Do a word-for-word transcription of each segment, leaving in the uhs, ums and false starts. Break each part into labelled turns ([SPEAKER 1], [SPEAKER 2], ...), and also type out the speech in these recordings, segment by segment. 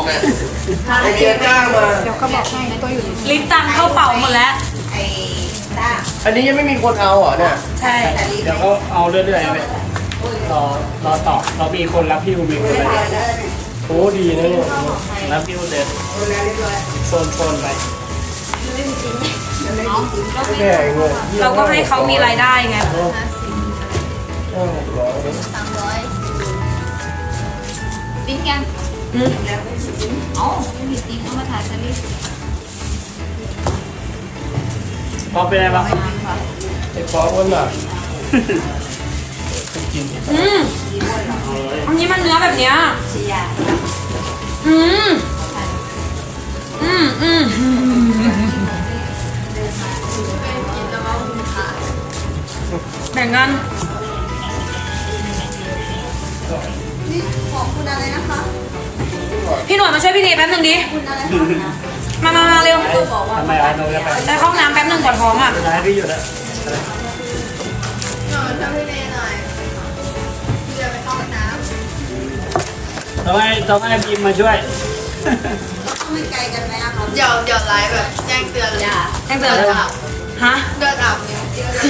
[SPEAKER 1] เนี่ยไอเดียจ้างมา
[SPEAKER 2] เดี๋ยวก็บอกให้ตัวอยู่
[SPEAKER 3] ลิปตังเข้าเป่าหมดแล้ว
[SPEAKER 1] อันนี้ยังไม่มีคนเอาเหรอเนี่ย
[SPEAKER 3] ใช่
[SPEAKER 4] เดี๋ยวก็เอาเรื่อยๆไปรอรอต่อเรามีคนรับพิวมีคนอะไร
[SPEAKER 1] โอ้ดีนะเนี่ย
[SPEAKER 4] รับพิวเดินโซนโซนไป
[SPEAKER 1] แก่เงิน
[SPEAKER 3] เราก็ให้เขามีรายได้ไง
[SPEAKER 5] สามร้อยติ้งกันเอ้าไม่มีติ้งเอามาถ่ายสลิป
[SPEAKER 4] พอเป็นไงบ้าง
[SPEAKER 1] ไอ้ฟอสคนน่ะ
[SPEAKER 3] อืมอันนี้มันเนื้อแบบเนี้ยอืมอืมอืมแบ่งกัน
[SPEAKER 5] ของคุณอะไรนะคะ
[SPEAKER 3] พี่หน่วยมาช่วยพี่เนยแป๊บนึงดิมามามาเร็ว
[SPEAKER 4] ทำไมเอาโน้ตไป
[SPEAKER 3] ได้ห้องน้ำแป๊บนึงก่อนท้องอ่ะ
[SPEAKER 4] ให้พี่หยุดแล้ว
[SPEAKER 5] หน่อยช่วยพี่เนยหน่อยพี่จะไปเข้าห้องน้ำ
[SPEAKER 4] ต้องให้ต้องให้บีมมาช่วย
[SPEAKER 5] ต้องไม่ไกลกันไหมอะคะเดี๋ยวเดี๋ยวไลฟ์แบบแจ้งเตือนเลย
[SPEAKER 3] แจ้งเตือนเลยฮะ
[SPEAKER 5] เดินอาบเนี่ย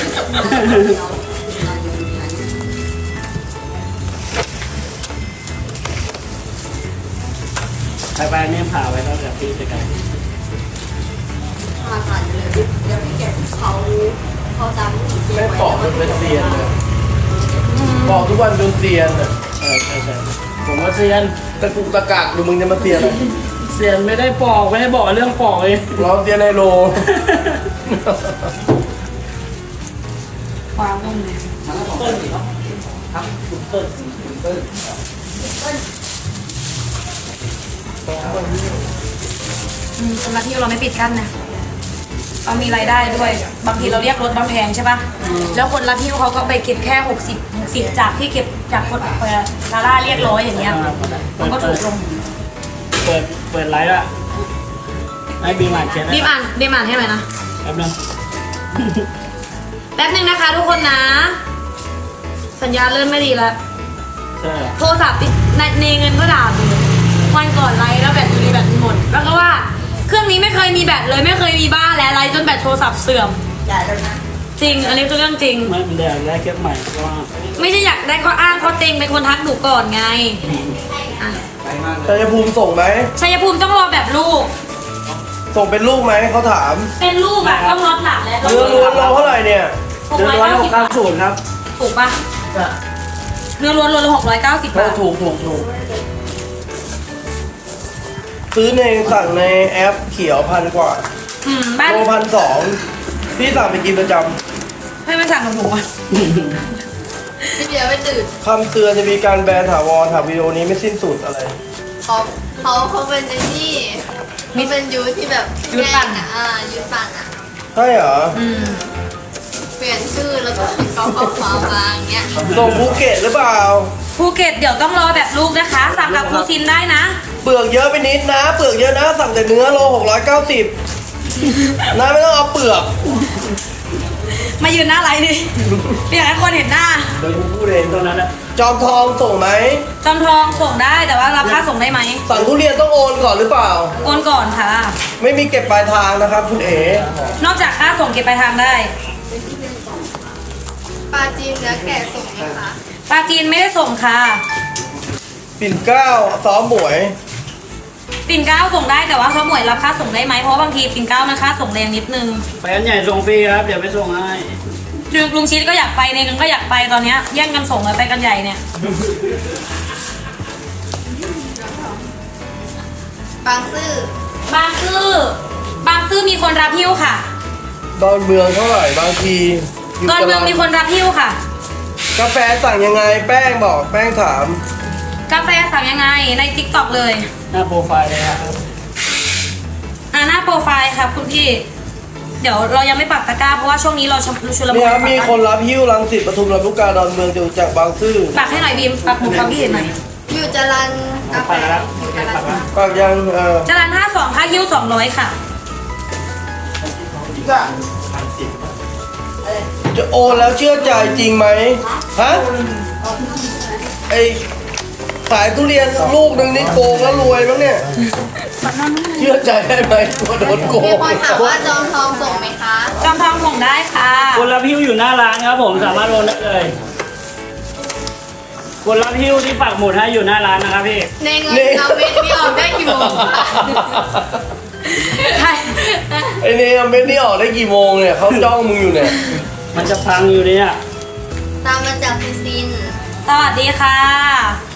[SPEAKER 4] ไปไปเนี่ยผ่าไว้แล้วเดี๋ยวพี่จะกัน
[SPEAKER 5] ผ่าผ่านเลยเดี๋ยวพี่เก็บเขาเขาจำ
[SPEAKER 1] ไม่ปอกจนเป็นเซียนเลยปอกทุกวันจนเซียนอ่ะ
[SPEAKER 4] ใช่ใช่ใช่ผมว่าเซียน
[SPEAKER 1] ตะกุกตะกักดูมึงจะมาเซียนอะไร
[SPEAKER 4] เซียนไม่ได้ปอกไม่ได้บอกเรื่องปอกเลย
[SPEAKER 1] เราเซียนไฮโล
[SPEAKER 3] ความต้มเลย
[SPEAKER 4] ต้นเนาะครับคุณต้นคุณต้น
[SPEAKER 3] อืมสำหรับที่เราไม่ปิดกั้นนะเรามีรายได้ด้วยบางทีเราเรียกรถบางแพงใช่ปะแล้วคนรับพิ้วเขาก็ไปเก็บแค่หกสิบหกสิบจากที่เก็บจากคนลาล่าเรียกร้อยอย่างเงี้ยมันก็ถูกลง
[SPEAKER 4] เปิดเปิดไลฟ์อะให้บีมอ่านเขียน
[SPEAKER 3] บีมอ่านบีมอ่านให้ไหมนะ
[SPEAKER 4] แป๊บนึง
[SPEAKER 3] แป๊บนึงนะคะทุกคนนะ สัญญาเริ่มไม่ดีแล้วโทรศัพท์ในในเงินก็ด่าไปวันก่อนไลฟ์แล้วแบตมีแบตหมดแล้วก็ว่าเครื่องนี้ไม่เคยมีแบตเลยไม่เคยมีบ้านแล้วไลฟ์จนแบตโทรศัพท์เสื่อมจริงอันนี้คือเรื่องจริง
[SPEAKER 4] ไม่เป็นไรได้เคสใหม่เพราะว่า
[SPEAKER 3] ไม่ใช่อยากได้ข้ออ้างข้อเต็งเป็นคนทักหนูก่อนไง
[SPEAKER 1] ชัยภูมิส่งไหม
[SPEAKER 3] ชัยภูมิต้องรอแบบลูก
[SPEAKER 1] ส่งเป็นลูกไหมเขาถาม
[SPEAKER 3] เป็นลูกอะต้องรอหลักแล้ว
[SPEAKER 1] เนื้อล้วนเราเท่าไหร่เนี่ย
[SPEAKER 4] เนื้อล้วนหกเก้าศูนย์ครับ
[SPEAKER 3] ถูกปะเนื้อล้วนล้วนหกร้อยเก้าสิบบาท
[SPEAKER 1] ถูกถูกถูกซื้อในสั่งในแอปเขียวพันกว่าโลพันสองพี่สั่งไปกินประจ
[SPEAKER 3] ำให้มันสั่งกับหนูอ่ะ
[SPEAKER 5] พี่เดียวไม่ตื่น
[SPEAKER 1] คำเตือนจะมีการแบนถาวรถามวิดีโอนี้ไม่สิ้นสุดอะไร
[SPEAKER 5] เขาเขาเขาเป็นในนี่มีเป็นยูที่แบบ
[SPEAKER 3] ยูปั่นอ่ะ
[SPEAKER 5] อ่ายูปั่นอ่ะ
[SPEAKER 1] ใช่เหรอ
[SPEAKER 5] เปลี่ยนชื่อแล้วก็เขาเขาขอมาอย่างเงี้ย
[SPEAKER 1] ส่งภูเก็ตหรือเปล่า
[SPEAKER 3] ภูเก็ตเดี๋ยวต้องรอแบบลูกนะคะสั่งกับครูซินได้นะ
[SPEAKER 1] เปลือกเยอะไปนิดนะเปลือกเยอะนะสั่งแต่เนื้อโลหกร้อยเก้าสิบนะไม่ต้องเอาเปลือก
[SPEAKER 3] มายืนหน้าไลน์ดิอยากให้คนเห็นหน้า
[SPEAKER 1] เดี๋ยวกูพูดเองตรงนั้นนะจอมทองส่งไหม
[SPEAKER 3] จอมทองส่งได้แต่ว่ารับค่าส่งได้ไหม
[SPEAKER 1] สั่งทุเรียนต้องโอนก่อนหรือเปล่า
[SPEAKER 3] โอนก่อนค่ะ
[SPEAKER 1] ไม่มีเก็บปลายทางนะครับคุณเอ๋
[SPEAKER 3] นอกจากค่าส่งเก็บปลายทางได้
[SPEAKER 5] ปลาจีนเนื้อแกะส่งไหมคะ
[SPEAKER 3] ปลาจีนไม่ได้ส่งค่ะ
[SPEAKER 1] ปิ่นเกล้าซ้อมหมวย
[SPEAKER 3] ปิ่นเกล้าส่งได้แต่ว่าซ้อมหมวยรับค่าส่งได้ไหมเพราะบางทีปิ่นเกล้ามันค่าส่งแรงนิดนึง
[SPEAKER 4] ไปอันใหญ่ส่งฟรีครับเดี๋ยวไปส่งให้
[SPEAKER 3] ลุงชิดก็อยากไปในนึงก็อยากไปตอนนี้แย่งกันส่งเลยไปกันใหญ่เนี่ย
[SPEAKER 5] บางซื่
[SPEAKER 3] อบางซื่อบางซื่อมีคนรับหิ้วค่ะ
[SPEAKER 1] ดอนเมืองเท่าไหร่บางที
[SPEAKER 3] ดอนเมืองมีคนรับหิ้วค่ะ
[SPEAKER 1] กาแฟสั่งยังไงแป้งบอกแป้งถาม
[SPEAKER 3] กาแฟสั่งยังไงใน ติ๊กต็อก เลย
[SPEAKER 4] หน้าโปรไฟล์เลยครับ
[SPEAKER 3] อ่าหน้าโปรไฟล์ครับคุณพี่เดี๋ยวเรายังไม่ปักตะกร้าเพราะว่าช่วงนี้เราชุลมุน
[SPEAKER 1] เนี่ยมีคนรับหิ้วรังสิตปทุมลำลูกกาดอนเมืองอยู่จากบางซื่อ
[SPEAKER 3] ปักให้หน่อยบีมปักหมุดความคิดเห็นหน่อย
[SPEAKER 5] อยู่จรัญกาแฟ
[SPEAKER 1] ปักยังเออ
[SPEAKER 3] จรัญห้าสองค่าหิ้วสองร้อยค่ะ
[SPEAKER 1] จะโอนแล้วเชื่อใจจริงไหมฮะไอขายทุเรียนลูกหนึ่งนี่โกงแล้วรวยมั้งเนี่ยเชื่อใจได้ไหมว่าโดนโก
[SPEAKER 5] มี
[SPEAKER 1] ง
[SPEAKER 5] คนถามว่าจองทองส่งไหมคะ
[SPEAKER 3] จอมทองส่งได้ค่ะ
[SPEAKER 4] คนรับหิ้วอยู่หน้าร้านครับผมสามารถโอนได้เลยคนรับหิ้วที่ปักหมุดให้อยู่หน้าร้านนะครับพี่
[SPEAKER 5] ในเงินเราเม็ดนี่ออกได้กี่โมง
[SPEAKER 3] ใช่
[SPEAKER 1] ไอ้เนี่ยเม็ดนี่ออกได้กี่โมงเนี่ยเขาจ้องมึงอยู่เนี่ย
[SPEAKER 4] มันจะพังอยู่เนี่ย
[SPEAKER 5] ตามมาจากฟิซิน
[SPEAKER 3] สวัสดีค่ะ